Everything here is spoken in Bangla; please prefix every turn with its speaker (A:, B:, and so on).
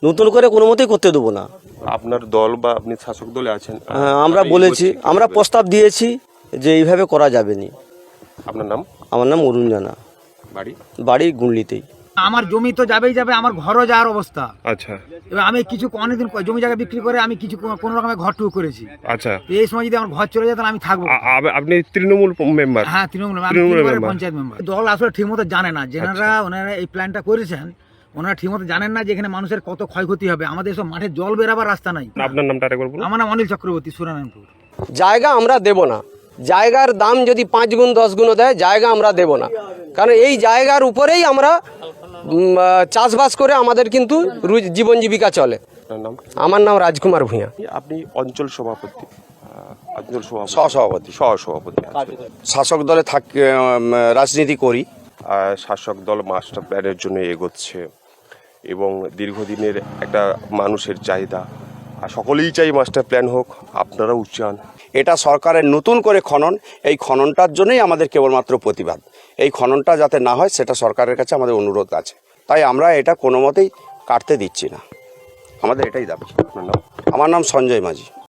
A: নতুন করে কোনো মতেই করতে দেবো না।
B: আপনার দল বা আপনি শাসক দলে আছেন,
A: আমরা বলেছি, আমরা প্রস্তাব দিয়েছি যে এইভাবে করা যাবে না।
B: আপনার নাম?
A: আমার নাম অরুণ জানা, বাড়ি গুনলিতেই।
C: আমার জমি তো যাবেই যাবে, আমার ঘরও যাওয়ার অবস্থা।
B: আচ্ছা,
C: এবার আমি কিছু অনেকদিন জমি জায়গা বিক্রি করে আমি কিছু কোনো রকমের ঘর টুকু করেছি।
B: আচ্ছা,
C: এই সময় যদি আমার ঘর চলে যায় তাহলে আমি থাকবো।
B: আপনি তৃণমূল মেম্বার?
C: হ্যাঁ, তৃণমূল পঞ্চায়েত মেম্বার। দল আসলে ঠিক মতো জানে না, ওনারা এই প্ল্যানটা করেছেন, ওনারা ঠিক মতো জানেন না যে এখানে মানুষের কত ক্ষয়ক্ষতি হবে। আমাদের সব মাঠে জল বেরাবার রাস্তা নাই।
B: আপনার নামটা আরেকবার বলুন।
C: আমার নাম অনিল চক্রবর্তী, সুরানারায়ণপুর।
A: জায়গা আমরা দেব না, জায়গার দাম যদি 5 গুণ 10 গুণও দেয়, জায়গা আমরা দেব না। কারণ এই জায়গার উপরেই আমরা চাষবাস করে আমাদের কিন্তু জীবন জীবিকা চলে। আমার নাম রাজকুমার ভূঁইয়া।
B: আপনি অঞ্চল সভাপতি,
D: সহসভাপতি শাসক দলে রাজনীতি করি।
B: শাসক দল মাস্টার প্ল্যানের জন্য এগোচ্ছে এবং দীর্ঘদিনের একটা মানুষের চাহিদা, আর সকলেই চাই মাস্টার প্ল্যান হোক, আপনারাও চান।
D: এটা সরকারের নতুন করে খনন, এই খননটার জন্যই আমাদের কেবলমাত্র প্রতিবাদ। এই খননটা যাতে না হয় সেটা সরকারের কাছে আমাদের অনুরোধ আছে, তাই আমরা এটা কোনো মতেই কাটতে দিচ্ছি না, আমাদের এটাই দাবি।
B: আপনার নাম?
D: আমার নাম সঞ্জয় মাঝি।